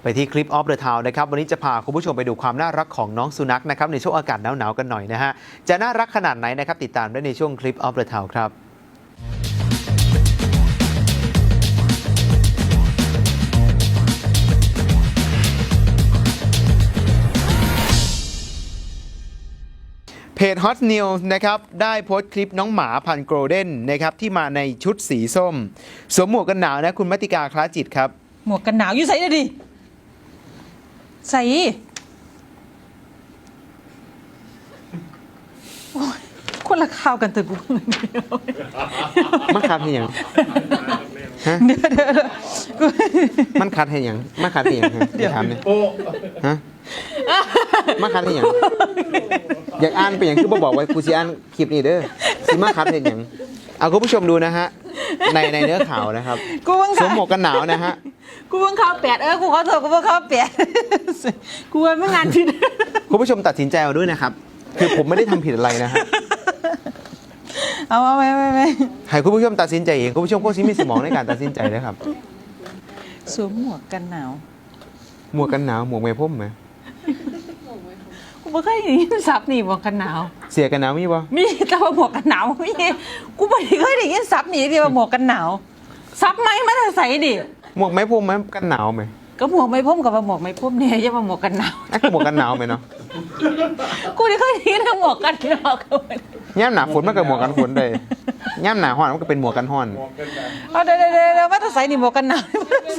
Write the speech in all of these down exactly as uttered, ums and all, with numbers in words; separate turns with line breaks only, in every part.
ไปที่คลิปออฟเดอะทาวน์นะครับวันนี้จะพาคุณผู้ชมไปดูความน่ารักของน้องสุนัขนะครับในช่วงอากาศหนาวๆกันหน่อยนะฮะจะน่ารักขนาดไหนนะครับติดตามได้ในช่วงคลิปออฟเดอะทาวน์ครับเพจ Hot News นะครับได้โพสต์คลิปน้องหมาพันธุ์โกลเด้นนะครับที่มาในชุดสีส้มสวมหมวกกันหนาวนะคุณมัติกาคล้าจิตครับ
หมวกกันหนาวอยู่ใส่เลยดิใส่โอ้ยคนละข้าวกันเถอะกู
มันคัดให้ยังฮะ
เดี๋ยวเดี๋ยวเดี๋ยวกู
มันคัดให้ยังมันคัดให้ยังฮะเดี๋ยวถามเลยฮะมันคัดให้ยังอยากอ่านเป็นอย่างที่บอกไว้กูจะอ่านคลิปนี้เด้อสิมาคัดให้ยังเอาคุณผู้ชมดูนะฮะในในเนื้อข่าวนะครับสวมหมวกกันหนาวนะฮะ
กูเพิ่งเข้าแปดเออกูขอโทษกูเพิ่งเข้าแปดกูว่าไม่งานผิด
คุณผู้ชมตัดสินใจเอาด้วยนะครับคือผมไม่ได้ทำผิดอะไรนะฮะ
เอาเอาไม่ไม่ไม่
ให้คุณผู้ชมตัดสินใจเองคุณผู้ชมก็ซิมีสมองในการตัดสินใจนะครับ
สวมหมวกกันหนาว
หมวกกันหนาวหมวกไม้พ่มไหม
กูไม่เคยได้ยินซับนี่หมวกกันหนาว
เสียกันหนาวมีปะ
มีแต่ว่าหมวกกันหนาวมีกูไม่เคยได้ยินซับนี่ที่ว่าหมวกกันหนาวซับไหมมันใส่ดิ
หมวกไม้พ่มไหมกันหนาวไหม
ก็หมวกไม้พ่มกับหมวกไม้พ่มเนี่ยจะมาหมวกกันหนาว
ไอ้หมวกกันหนาวไหมเนาะ
กูไม่เคยได้ยินหมวกกันหนาว
ย่ำหนาฝนมันก็หมวกกันฝนเลยย่ำหนาห้อนมันก็เป็นหมวกกันห้อน
เอาเดี๋ยวเดี๋ยวเดี๋ยวว่าจะใส่นี่หมวกกันหนาว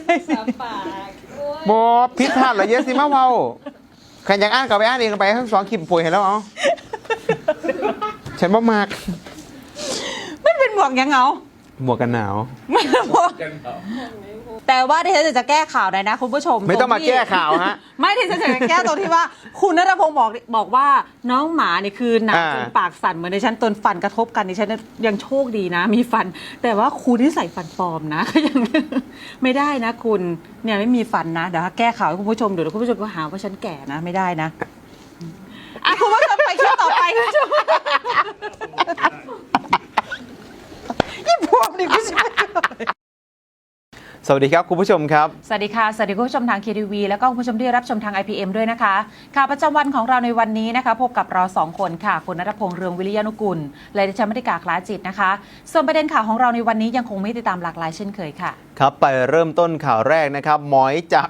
บอพิษพลาดเหรอเยอะสิมาเว้าใครอยากอ่านก็ไปอ่านเองไปทั้งสองคลิปป่วยเห็นแล้วเอาฉันบ่มาก
มันเป็นหมวกยังเงา
หมวกกันหนาว
ไม่หมวกแต่ว่าที่ฉันจะแก้ข่าวหน่อยนะคุณผู้ชม
ไม่ต้องมาแก้ข่าวฮะ
ไม่ที่ฉันจะแก้ตรงที่ว่าคุณณัฐพงศ์บอกบอกว่าน้องหมาเนี่ยคือหนาวจนปากสั่นเหมือนในฉันตนฟันกระทบกันในฉันยังโชคดีนะมีฟันแต่ว่าคุณที่ใส่ฟันปลอมนะก็ยังไม่ได้นะคุณเนี่ยไม่มีฟันนะเดี๋ยวแก้ข่าวให้คุณผู้ชมเดี๋ยวคุณผู้ชมก็หาว่าฉันแก่นะไม่ได้นะอ่ะคุณผู้ชมไปคลิปต่อไปคุณผู้ชมยี่พวกนี่คุณผู้ชม
สวัสดีครับคุณผู้ชมครับ
สวัสดีค่ะสวัสดีคุณผู้ชมทาง เค ที วี แล้วก็คุณผู้ชมที่รับชมทาง ไอ พี เอ็ม ด้วยนะคะข่าวประจำวันของเราในวันนี้นะคะพบกับเราสองคนค่ะคุณณัฐพงษ์เรืองวิริยานุกุลและดิฉันมติกาคล้าจิตนะคะส่วนประเด็นข่าวของเราในวันนี้ยังคงไม่ติดตามหลากหลายเช่นเคยค่ะ
ครับไปเริ่มต้นข่าวแรกนะครับหมอยจาก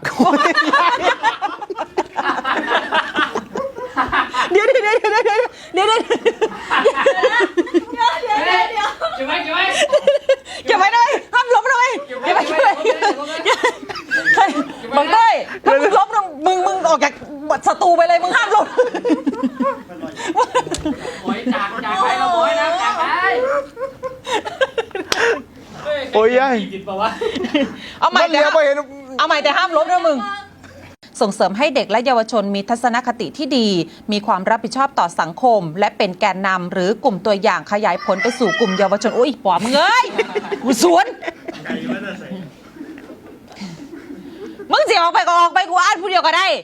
เดี๋ยวเดี๋ยวเดี๋ยวเดี๋ยวเดี๋ยวเดี๋ยวเดี๋ยวเดี๋ยวเดี๋ยวเดี๋ยวเก็บไว้เก็บไว้เก็บไว้เลยห้ามล้มเลยเก็บไว้เก็บไว้บังเต้ถ้ามึงล้มมึงมึงออกจากศัตรูไปเลยมึงห้ามล้ม
หมอยจากจากไปเราหมอยนะจากไป
โอ้ยยัย
เอาใหม่แต่เอาใหม่แต่ห้ามล้มนะมึงส่งเสริมให้เด็กและเยาวชนมีทัศนคติที่ดีมีความรับผิดชอบต่อสังคมและเป็นแกนนำหรือกลุ่มตัวอย่างขยายผลไปสู่กลุ่มเยาวชนโอ้ยปอบมึงเอ้ยกูสวนมึงเสียออกไปก็ออกไปกูอ่านผู้เดียวก็ได้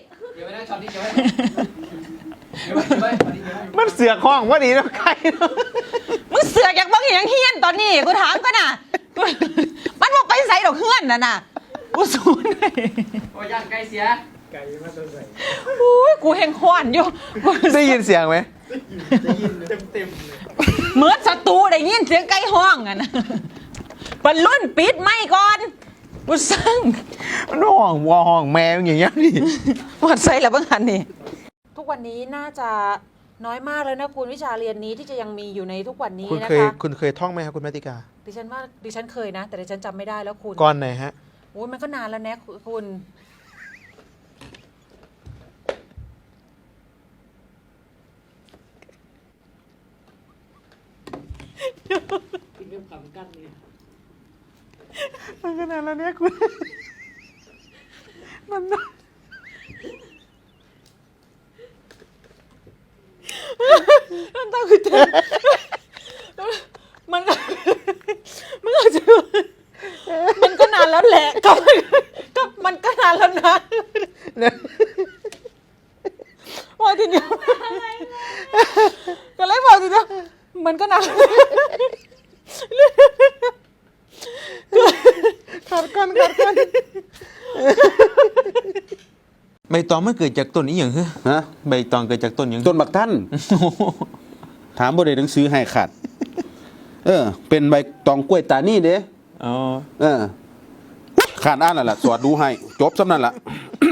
มันเสือกห้องว่าดีแล้วใคร
มึงเสือกอย่างบางอย่างเฮี้ยนตอนนี้กูถามก็น่ะมันบอกไปใส่ดอกเฮือนน่ะน่ะกูสวนเลย
โอ้ยย่างไก่เสีย
ไก่มาตัวใส่โอ้ยกูแหงขวานอยู่
ได้ยินเสียงไหม
ได้ยินเต็มเต็มเลย
เหมือนศัตรูได้ยินเสียงไก่ห้องอ่ะนะบรรลุนปิดไม่ก่อนกูสั่ง
มันห้องวอห้องแมวอย่างเงี้ยนี่
วัดใส่แล้วบ้างหันนี่ทุกวันนี้น่าจะน้อยมากเลยนะคุณวิชาเรียนนี้ที่จะยังมีอยู่ในทุกวันนี้นะคะคุณเคย
คุณเคยท่องไหมครับคุณมัติกา
ดิฉันว่าดิฉันเคยนะแต่ดิฉันจำไม่ได้แล้วคุณ
ก่อนไหนฮะ
โอ้ยมันก็นานแล้วนะคุณ
เรื่องขำกั้นนี่
มันก็นานแล้วเนี่ยคุณมัน
มันต้องคือเจ็บมันมันอาจจะมันก็นานแล้วแหละก็ก็มันก็นานแล้วนะว่าทีเดียวก็เลยบอกทีเดียวมันก็นาน
ขัดกันขัดกันใบตองมันเกิดจากต้นนี้อย่างเหรอ
ฮะ
ใบตองเกิดจากต้นอย่าง
ต้นบักท่านถามบ่ได้หนังสือให้ขาดเออ เป็นใบตองกล้วยตานี่เด้
อ๋อ
เออขาดอ่านแล้วล่ะสวดดูให้จบซำนั้นล่ะ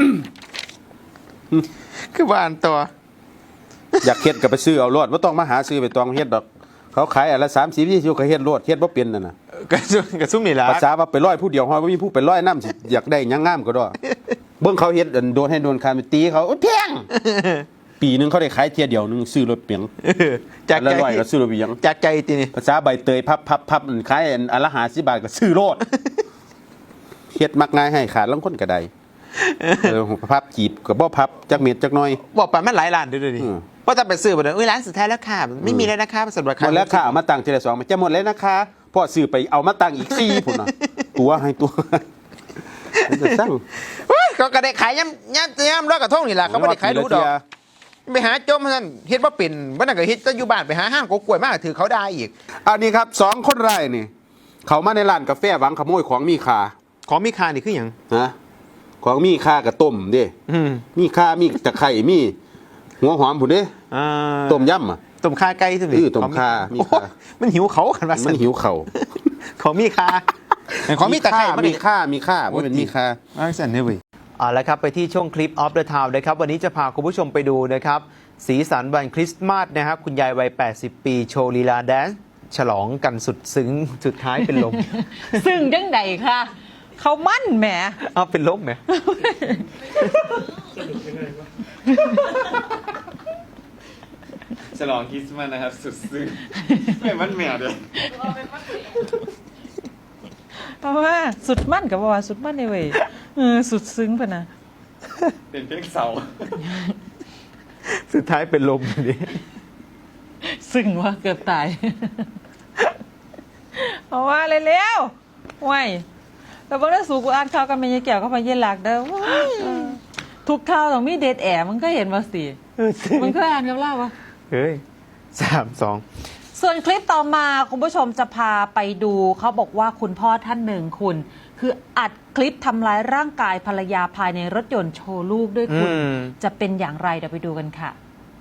คือว่าอันต่อ
อยากเฮ็ดก็ไปซื้อเอารอดบ่ต้องมาหาซื้อใบตองเฮ็ดดอกเขาขายอันละสามสิบ ยี่สิบก็เฮ็ดรอดเฮ็ดบ่เป็นนั่นน่ะ
กระซุ่มกระซุ่มนี่ล่ะ
ภาษาว่าไปร้อยผู้เดียวฮอดบ่มีผู้ไปร้อยนำสิอยากได้หยังงามก็ดอเบิ่งเขาเฮ็ดอันโดนให้โดนคานไปตีเขาโอ้ยแพงปีหนึงเขาได้ขายเที่ยเดียวหนึงซื้อรถเปียง
จาก
ละ
ใจ
ร้อยก็ซื้อรถเปียง
จากใจตีนี่
ภาษาใบเตยพับพับพับอันขายอันอันละห้าสิบบาทก็ซื้อโลดเฮ็ดมักง่ายให้ขาดลังคนก็ได้เออพับจีบก็บ่พับจักเม็ดจักหน่อย
บอกไปมันหลายล้านเด้อดิ
อืม
เพราะถ้าไปซื้อบ่ได้เอ้ยร้านสุดท้ายแล้วค่ะไม่มีแล้วนะคะสำหรับ
หมดแล้วค่ะเอามาตั้งทีละสองมันจะหมดแล้วนะคะพอซื้อไปเอามาตั้งอีกสี่พุ่นน่ะตัวให้ตัวมันจะสร้าง
เฮ้ยเขาก็ได้ขายย่ำย่ำย่ำร้อยกระทงนี่ล่ะเขาไม่ได้ขายรู้ดอกไปหาจมนั่นเฮ็ดบ่เป็นบ่นั่นก็เฮ็ดจะอยู่บ้านไปหาห้างกกล้วยมาถือเขาได้อีก
อันนี้ครับสองคนไร่นี่ เขามาในร้านกาแฟหวังขโมยของมีค่า
ของมีค่านี่คือหยัง
นะของมีค่ากับต้มเด้
อืม
มีค่ามีตะไคร้มีหัวหอมพุ่นเด้
อ่า
ต้มยำอ่ะ
ต้มข่าไก่ซื่อ
เออต้มข่ามี
โอ้
ข่า
มันหิวเขากันว่า
มันหิวเข่า
ของมีค่าของมีตะไคร้
มีค่ามีค่าว่าเป็นมีค่า
อ่าสั่นเด้อเว้ยเอาละครับไปที่ช่วงคลิป of the town นะครับวันนี้จะพาคุณผู้ชมไปดูนะครับสีสันวันคริสต์มาสนะครับคุณยายวัยแปดสิบปีโชว์ลีลาแดนซ์ฉลองกันสุดซึ้งสุดท้ายเป็นลม
ซึ่งจังใดค่ะ เขามั่นแหม
เอาเป็นลมไหม
ฉลองคริสต์มาสนะครับ สุดซึ้งไม่มันแมวเดียว
เพราะว่าสุดมั่นกับว่าสุดมั่นในเว้ยเออสุดซึ้งปะนะ
เป็นเพลงเสา
สุดท้ายเป็นลมดิ
ซึ้งว่าเกือบตาย เพราะว่าเร็วๆว้ยแต่บางเรื่องสูกูอ่านข่าวกันไม่ยายแก้วก็ไปเย็นหลักเด้อว้ายทุกข่าวต้องมีเดทแอบมันก็เห็นมาสิมันก็อ่านกับเล่าวะ
เฮ้ยสามสอง
ส่วนคลิปต่อมาคุณผู้ชมจะพาไปดูเขาบอกว่าคุณพ่อท่านหนึ่งคุณ คืออัดคลิปทำร้ายร่างกายภรรยาภายในรถยนต์โชว์ลูกด้วยคุณ จะเป็นอย่างไรเดี๋ยวไปดูกันค่ะ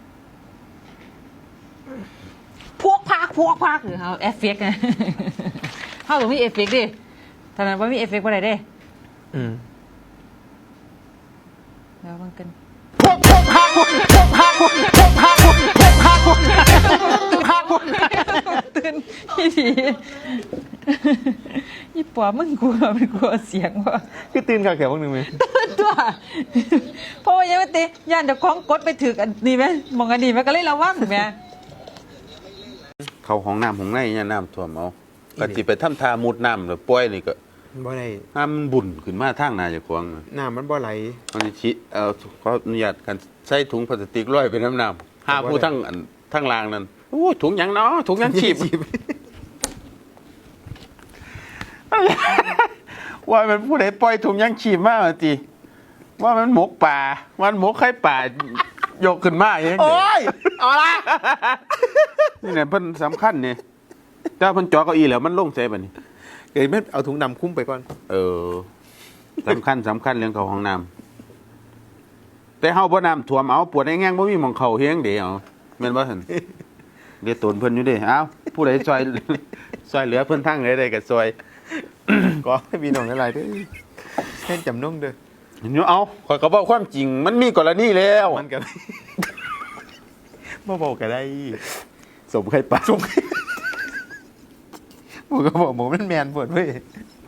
พวกพักพวกพักหรือเขาเอฟเฟกต์ไง เขาต้องมีเอฟเฟกต์ดิตอนนั้นว่ามีเอฟเฟกต์อะไรดิ
อืม
แล้วมันกัน
พวกพวกพาพวกพวกพาพวกพวกพาพวกพวกพาพวกพาพวก
ตื่นพี่ดียี่ปัวมึงกลัวมันกลัวเสียงว่ะ
คือตื่นข่าวแขกพวกหนึ่งไหม
ตัวเพราะว่ายังไม่ตีย่านเดี๋ยวคล้องกดไปถึกอันนี้ไหมมองอันนี้ไหมก็เลยระวังไหม
เขาห้องน้ำของในเนี่ยน้ำท่วมเอาก็สิไปทำทามุดน้ำหรือป่วยนี่ก็
บ่ได้
น้ำมันบุ่นขึ้นมาทางหนาจะควง
น้ำมันบ่ไหล
มันสิชิเอาขออนุญาตกันใส่ถุงพลาสติกร้อยเป็นน้ำน้ำหาผู้ทั้งอันทั้งรางนั่นโอ้ถุงหยังเนาะถุงหยังชีพ ว่ามันผู้ใดปล่อยถุงยังชีพมากจีว่ามันหมกป่ามันหมกไข่ป่ายกขึ้นมาอย่างนี้
โอ้ยเอาละ
นี่เนี่ยเพิ่นสำคัญเนี่ยถ้าเพิ่นจอเก้าอี้แล้วมันลงใส่บัดนี้
เดี๋ยวไม่เอาถุงดำคุ้มไปก่อน
เออสำคัญสำคัญเรื่องเขาห้องน้ำแต่เฮาบ่น้ำท่วมเอาปวดไอ้แง่งบ่มีหม่องเข้าเฮียงเดียวแม่นบ่หั่นเดี๋ยวตนเพิ่นอยู่เด้เอ้าผู้ใดซอย ซอยเหลือเพิ่นทางใดๆก็ซอย
ก็ให้มีหน่องอะไรด้วยเส้นจำนุ่งเด้อ
อยู่เอาข่อยก็บอกความจริง มันมีกรณีแล้ว
มันกันมาบอกกันได้
สมไข่ปลา
สมผมก็บอกหมูมันแมนปวดเว้ย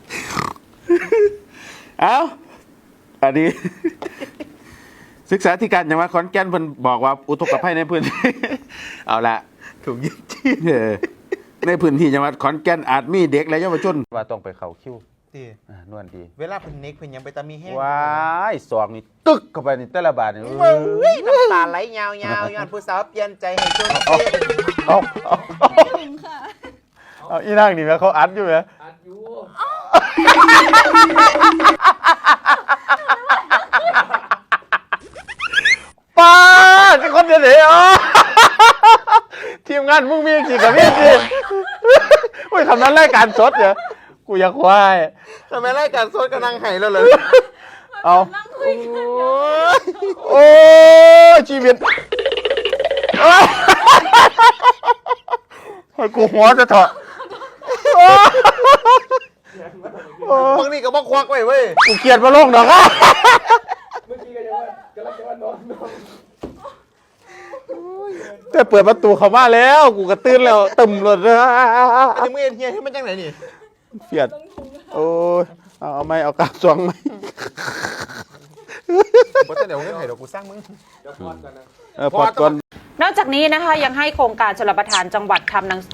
เอาอันนี้ ศึกษาธิการจังหวัดขอนแก่นเพิ่นบอกว่าอุทกภัยในพื้นที่ เอาละ
ถุงยืดชีพ
เออในพื้นที่จังหวัดขอนแก่นอาจมีเด็กและเยาวชนว่าต้องไปเข้าคิว
ดี
อ่านวลดี
เวลาเพิ่นเน็กเพิ่นยังไปตามีแห้ง
ว้ายสองนี่ตึกเข้าไปนี่แต่ละบาทนี่
เฮ้ยน้ำตาไหลยาวๆย้อนผู้สาวเปลี่ยนใจให้จนเสีย
เอาเอาเอาอีนางนี่แม่เขาอัดอยู่แม่
อัดอยู่
ป้าจะคนเดียวเหรอ ทีมงานมึงมีสิกับมีสิโอ้ยคำนั้นรายการสดเหรอกูอยากควาย
ทำไมรายการสดกำลังไห้แล้วเลย
เอา
นั่งถ
โอ้ยชีวิตโอ้ยให้กูหัวจะเถอะ
บางนี่ก็บอกควักไว้เว้ย
กูเกลียดมาลงดอกอะ
เมื่อกี้ก็ยังว่ากำลังจะว่านอนนอน
แต่เปิดประตูเข้ามาแล้ว กูกระตื้นแล้วตึมเลยนะ
อันนี้มึงเอ็นเฮียให้มันจังไหนนี่
เฟียดโอ้ยเอาเอาไหมเอากาบสองไหม
บ่แต่เดี๋ยวเงินให้ดอกกูสร้างมึง
เดี๋ยวพอดกันนะ
เออพอดก่อน
นอกจากนี้นะคะยังให้โครงการชลประทานจังหวัดทำหนัง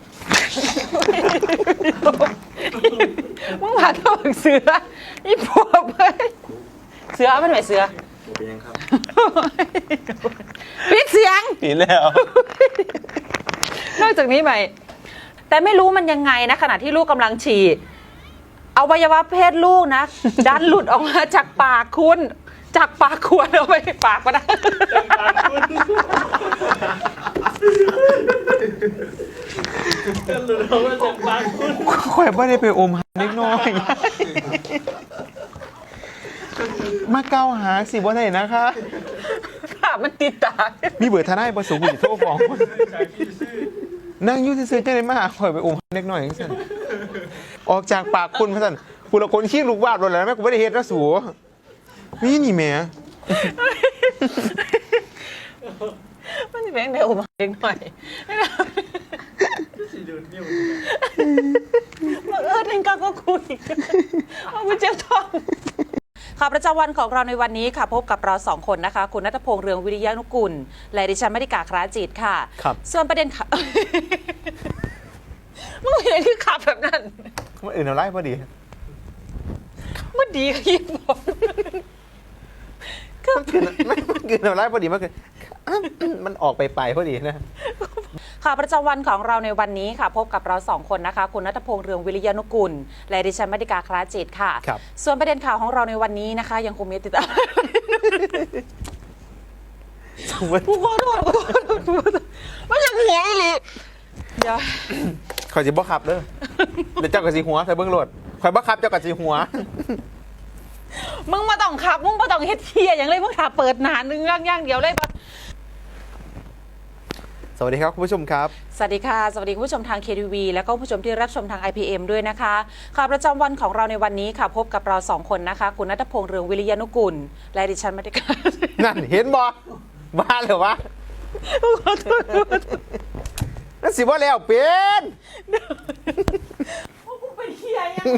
มึงผ่านตัวเสืออีพวกเว้ยเสือมันไหนเสือ
เป็นยังครับ
ปิดเสียง
ปีแล้ว
นอกจากนี้ใหม่ แต่ไม่รู้มันยังไงนะขณะที่ลูกกำลังฉี่อวัยวะเพศลูกนะ ดันหลุดออกมาจากปากคุณ จากปากขวดเอาไปในปากก็ได้
หลุดออกมาจากปากคุณ
ข่อยบ่ได้ไปอมหาเล็กน้อย มาเก้าหาสิบ่ได้นะคะ
ค่ะมันติดตา
มีเบอร์ทนายบ่สูงกูสิโทรฟ้องนั่งอยู่ซื่อๆจังได๋มาหาข่อยไปอมหาเล็กน้อยจังซั่นออกจากปากคุณว่าซั่นผู้ละคนขี้ลูกวาดบ่แล้วแม่กูบ่ได้เฮ็ดนะสูมีนี่แหม
มันจะเป็นเดี๋ยวมาเล็กหน่อย
สีดูดนิ้ว
บังเอิญเองก็ก็คุยเอาไปเจ็บท้องข่าวประจำวันของเราในวันนี้ค่ะพบกับเราสองคนนะคะคุณณัฐพงษ์เรืองวิริยานุกุลและดิฉันมริกาคราจิตค่ะ
ครับ
ส่วนประเด็นค่ะ มึงเห็นที่ขับแบบนั้น
มันอื่นเอาไล่พอดี
มันดีกับยิ่งบอก
มันกินไม่มันกินเอาไล่พอดีมันคือมันออกไปไปพอดีนะ
ข่าวประจำวันของเราในวันนี้ค่ะพบกับเราสองคนนะคะคุณณัฐพงษ์เรืองวิริยานุกุลและดิฉันมริกาคราจิตค่ะ
ครับ
ส่วนประเด็นข่าวของเราในวันนี้นะคะ ยังคงมีติดตาม กูขอโทษกูขอโทษกูขอโทษมันยังหัวอีหลีเดี๋ยว
ข่อยสิบ่ขับเด้อเดี๋ยวเจ้ากับสีหัวใส่เบิ้งโหลดข่อยบ่ขับเจ้ากับสีหัว
มึงมาต้องขับมึงมาต้องเฮ็ดเทียอย่างเลยมึงถ้าเปิดหนานนึงย่างๆเดียวเลยปะ
สวัสดีครับคุณผู้ชมครับ
สวัสดีค่ะสวัสดีคุณผู้ชมทาง เค ที วี แล้วก็ผู้ชมที่รับชมทาง ไอ พี เอ็ม ด้วยนะคะข่าวประจำวันของเราในวันนี้ค่ะพบกับเราสองคนนะคะคุณณัฐพงษ์เรืองวิริยานุกุลและดิฉันมริกา
นั่นเห็นบ่บ้าเหรอวะ
ขอโทษ
นั่นสิว่าแล้วเป็น
กูไปเทียยัง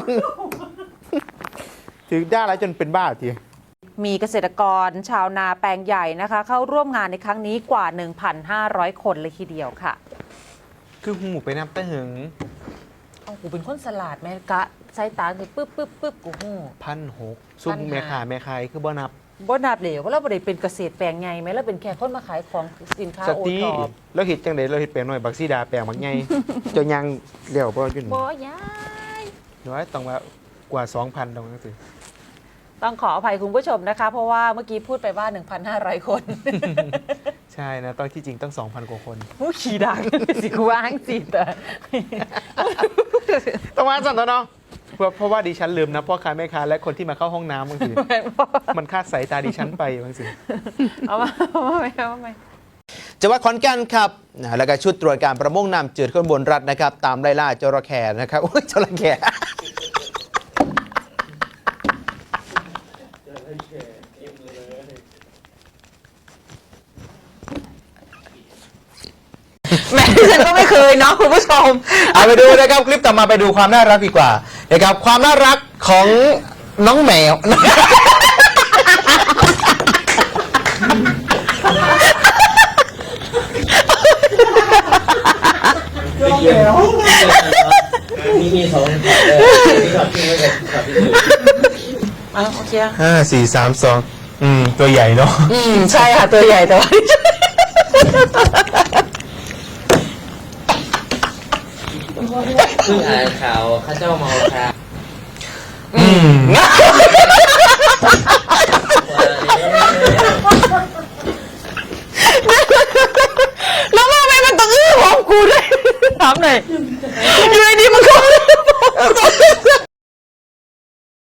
ถือได้แล้วจนเป็นบ้าที
มีเกษตรกรชาวนาแปลงใหญ่นะคะ เข้าร่วมงานในครั้งนี้กว่า หนึ่งพันห้าร้อย คนเลยทีเดียวค่ะ
คือหูไปน้ำตะหึง
เอากูเป็นคนสลัดแม่กะใช้ตาคือปึ๊บปึ๊บปึ๊บกูหู
พันหกซุ่ม
พันห้า
แม่ขาแม่ขายคือบ่นับ
บ่นับเหลวเพราะเราบ่ได้เป็นเกษตรแปลงใหญ่ไหมเราเป็นแค่คนมาขายของสินค้า
ส
โอ
ติ
ท็อป
เราเห็ดจังไดเราเห็ดแปลงหน่อยบักซีดาแปลงบักใหญ่ เจ้ายังเลี้ยวบ่อยู่นี่
บ่ยาย
น้อยต้องว่ากว่า สองพันตรงนั้นสิ
ต้องขออภัยคุณผู้ชมนะคะ เพราะว่าเมื่อกี้พูดไปว่า หนึ่งพันห้าร้อย คน
ใช่นะต้องที่จริงต้อง สองพัน กว่าคน
ผู้ขี่ดังสิกูว่างสิแต่
ต้องมาสั่นตัวเนาะเพราะเพราะว่าดิฉันลืมนะพ่อค้าแม่ค้าและคนที่มาเข้าห้องน้ำบางทีมันคาดสายตาดิฉันไปบางที
เอามาเอามาไหมเอามาไหม
จังหวัดขอนแก่นครับนะแล้วก็ชุดตรวจการประมงน้ำจืดข้นบนรัฐนะครับ ตามไล่ล่าจระเข้นะครับโอ้ยจระเข้
แม่ฉันก็ไม่เคยเนาะคุณผู้ชม
เอาไปดูนะครับคลิปต่อมาไปดูความน่ารักดีกว่านะครับความน่ารักของน้องแมว
มีมีสองนี่ขับที่ไม่กับขับที่อื่น
อ่ะโอเค
ห้าสี่สามสองอืมตัวใหญ่เนาะ
อืมใช่ค่ะตัวใหญ่แต่ว่า
เพิ่งอ่านข่าวข้าเจ้าเมาค่ะ
อืม